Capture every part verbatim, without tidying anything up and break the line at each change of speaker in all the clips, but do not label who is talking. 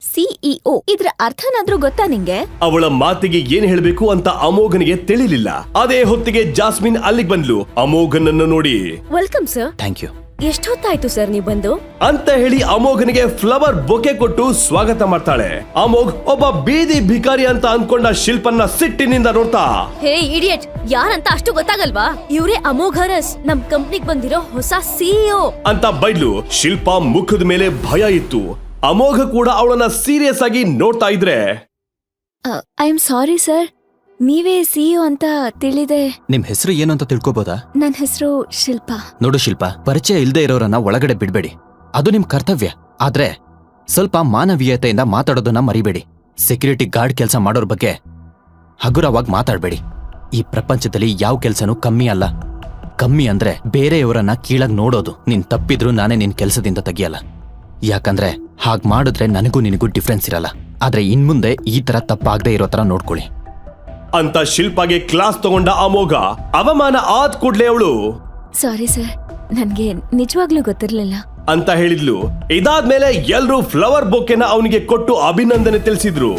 CEO. ಇದ್ರ ಅರ್ಥನಾದ್ರೂ ಗೊತ್ತಾ ನಿಂಗೆ?
ಅವಳ ಮಾತಿಗೆ ಏನ್ ಹೇಳ್ಬೇಕು ಅಂತ ಅಮೋಘನಿಗೆ ತಿಳಿಲಿಲ್ಲ. ಅದೇ ಹೊತ್ತಿಗೆ ಜಾಸ್ಮಿನ್ ಅಲ್ಲಿಗೆ ಬಂದ್ಲು. ಅಮೋಘನನ್ನು ನೋಡಿ
ವೆಲ್ಕಮ್ ಸರ್.
Thank you.
ಎಷ್ಟೊತ್ತಾಯ್ತು ಸರ್ ನೀವು ಬಂದು
ಅಂತ ಹೇಳಿ ಅಮೋಘನಿಗೆ ಫ್ಲವರ್ ಬೊಕೆ ಕೊಟ್ಟು ಸ್ವಾಗತ ಮಾಡ್ತಾಳೆ. ಅಮೋಘ್ ಒಬ್ಬ ಬೀದಿ ಭಿಕಾರಿ ಅಂತ ಅನ್ಕೊಂಡ ಶಿಲ್ಪನ್ನ ಸಿಟ್ಟಿನಿಂದ ನೋಡ್ತಾ,
ಹೇ ಇಡಿಯಟ್, ಯಾರಂತ ಅಷ್ಟು ಗೊತ್ತಾಗಲ್ವಾ? ಇವ್ರೇ ಅಮೋಘರಸ್, ನಮ್ ಕಂಪ್ನಿಗ್ ಬಂದಿರೋ ಹೊಸ ಸಿಇಒ
ಅಂತ ಬೈದ್ಲು. ಶಿಲ್ಪ ಮುಖದ ಮೇಲೆ ಭಯ ಇತ್ತು. ಅಮೋಘ ಕೂಡ ಅವಳನ್ನ ಸೀರಿಯಸ್ ಆಗಿ ನೋಡ್ತಾ ಇದ್ರೆ,
ಐ ಆಮ್ ಸಾರಿ ಸರ್, ನೀವೇ ಸಿಇಒ ಅಂತ ತಿಳಿದೆ.
ನಿಮ್ ಹೆಸರು ಏನು ಅಂತ ತಿಳ್ಕೊಬೋದಾ?
ನನ್ ಹೆಸರು ಶಿಲ್ಪ.
ನೋಡು ಶಿಲ್ಪ, ಪರಿಚಯ ಇಲ್ದೇ ಇರೋರನ್ನ ಒಳಗಡೆ ಬಿಡ್ಬೇಡಿ. ಅದು ನಿಮ್ ಕರ್ತವ್ಯ. ಆದ್ರೆ ಸ್ವಲ್ಪ ಮಾನವೀಯತೆಯಿಂದ ಮಾತಾಡೋದನ್ನ ಮರಿಬೇಡಿ. ಸೆಕ್ಯೂರಿಟಿ ಗಾರ್ಡ್ ಕೆಲಸ ಮಾಡೋರ್ ಬಗ್ಗೆ ಹಗುರವಾಗಿ ಮಾತಾಡ್ಬೇಡಿ. ಈ ಪ್ರಪಂಚದಲ್ಲಿ ಯಾವ ಕೆಲ್ಸನೂ ಕಮ್ಮಿ ಅಲ್ಲ. ಕಮ್ಮಿ ಅಂದ್ರೆ ಬೇರೆಯವರನ್ನ ಕೀಳಾಗ್ ನೋಡೋದು. ನೀನ್ ತಪ್ಪಿದ್ರು ನಾನೇ ನಿನ್ ಕೆಲ್ಸದಿಂದ ತೆಗಿಯಲ್ಲ. ಯಾಕಂದ್ರೆ ಹಾಗ್ ಮಾಡಿದ್ರೆ ನನಗೂ ನಿನಗೂ ಡಿಫ್ರೆನ್ಸ್ ಇರಲ್ಲ. ಆದ್ರೆ ಇನ್ಮುಂದೆ ಈ ತರ ತಪ್ಪಾಗದೆ ಇರೋ ತರ ನೋಡ್ಕೊಳ್ಳಿ
ಅಂತ ಶಿಲ್ಪಾಗೆ ಕ್ಲಾಸ್ ತಗೊಂಡ ಅಮೋಘ. ಅವಮಾನ ಆದ್ ಕೂಡ್ಲೆ ಅವಳು
ಸಾರಿ ಸರ್, ನನ್ಗೆ ನಿಜವಾಗ್ಲೂ ಗೊತ್ತಿರ್ಲಿಲ್ಲ
ಅಂತ ಹೇಳಿದ್ಲು. ಇದಾದ್ಮೇಲೆ ಎಲ್ರೂ ಫ್ಲವರ್ ಬೊಕೆನ ಅವನಿಗೆ ಕೊಟ್ಟು ಅಭಿನಂದನೆ ತಿಳಿಸಿದ್ರು.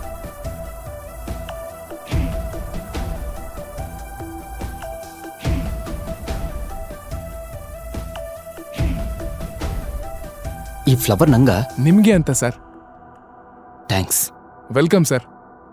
ಈ ಫ್ಲವರ್ ನಂಗ
ನಿಮ್ಗೆ ಅಂತ ಸರ್.
ಥ್ಯಾಂಕ್ಸ್.
Welcome sir.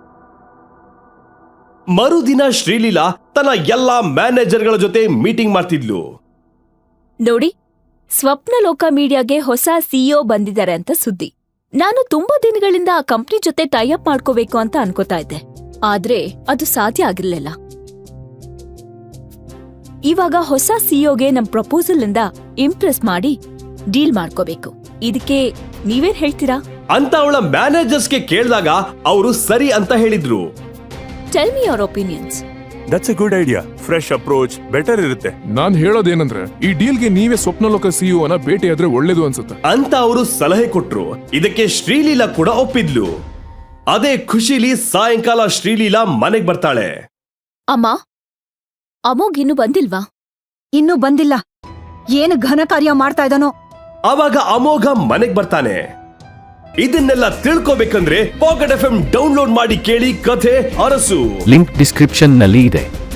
ಮರುದಿನ ಶ್ರೀಲೀಲಾ ತನ್ನ ಎಲ್ಲಾ ಮ್ಯಾನೇಜರ್ಗಳ ಜೊತೆ ಮೀಟಿಂಗ್ ಮಾಡ್ತಿದ್ಲು.
ನೋಡಿ, ಸ್ವಪ್ನಲೋಕ ಮೀಡಿಯಾಗೆ ಹೊಸ ಸಿಇಒ ಬಂದಿದ್ದಾರೆ ಅಂತ ಸುದ್ದಿ. ನಾನು ತುಂಬಾ ದಿನಗಳಿಂದ ಆ ಕಂಪ್ನಿ ಜೊತೆ ಟೈಅಪ್ ಮಾಡ್ಕೋಬೇಕು ಅಂತ ಅನ್ಕೋತಾ ಇದ್ದೆ, ಆದ್ರೆ ಅದು ಸಾಧ್ಯ ಆಗಿರ್ಲಿಲ್ಲ. ಇವಾಗ ಹೊಸ ಸಿಇಒಗೆ ನಮ್ ಪ್ರಪೋಸಲ್ ಇಂದ ಇಂಪ್ರೆಸ್ ಮಾಡಿ ಡೀಲ್ ಮಾಡ್ಕೋಬೇಕು. ಇದಕ್ಕೆ ನೀವೇನ್ ಹೇಳ್ತೀರಾ
ಅಂತ ಅವಳ ಮ್ಯಾನೇಜರ್ಸ್ಗೆ ಕೇಳಿದಾಗ ಅವರು ಸರಿ ಅಂತ ಹೇಳಿದ್ರು.
Tell me your opinions.
That's a good idea. Fresh approach better ಇರುತ್ತೆ.
ನಾನ್ ಹೇಳೋದೇನಂದ್ರೆ, ಈ ಡೀಲ್ಗೆ ನೀವೇ ಸ್ವಪ್ನಲೋಕ ಸಿಇಒ ನ ಭೇಟಿಯಾದ್ರೆ ಒಳ್ಳೇದು ಅನ್ಸುತ್ತೆ
ಅಂತ ಅವರು ಸಲಹೆ ಕೊಟ್ರು. ಇದಕ್ಕೆ ಶ್ರೀಲೀಲಾ ಕೂಡ ಒಪ್ಪಿದ್ಲು. ಅದೇ ಖುಷಿಲಿ ಸಾಯಂಕಾಲ ಶ್ರೀಲೀಲಾ ಮನೆಗ್ ಬರ್ತಾಳೆ.
ಅಮ್ಮ, ಅಮೋಘ್ ಇನ್ನು ಬಂದಿಲ್ವಾ?
ಇನ್ನೂ ಬಂದಿಲ್ಲ. ಏನು ಘನ ಕಾರ್ಯ ಮಾಡ್ತಾ ಇದ್ದಾನೋ.
ಆವಾಗ ಅಮೋಘ ಮನೆಗ್ ಬರ್ತಾನೆ. ಇದನ್ನೆಲ್ಲ ತಿಳ್ಕೋಬೇಕಂದ್ರೆ ಪಾಕೆಟ್ ಎಫ್ ಎಂ ಡೌನ್ಲೋಡ್ ಮಾಡಿ ಕೇಳಿ ಕಥೆ ಅರಸು.
ಲಿಂಕ್ ಡಿಸ್ಕ್ರಿಪ್ಷನ್ ನಲ್ಲಿ ಇದೆ.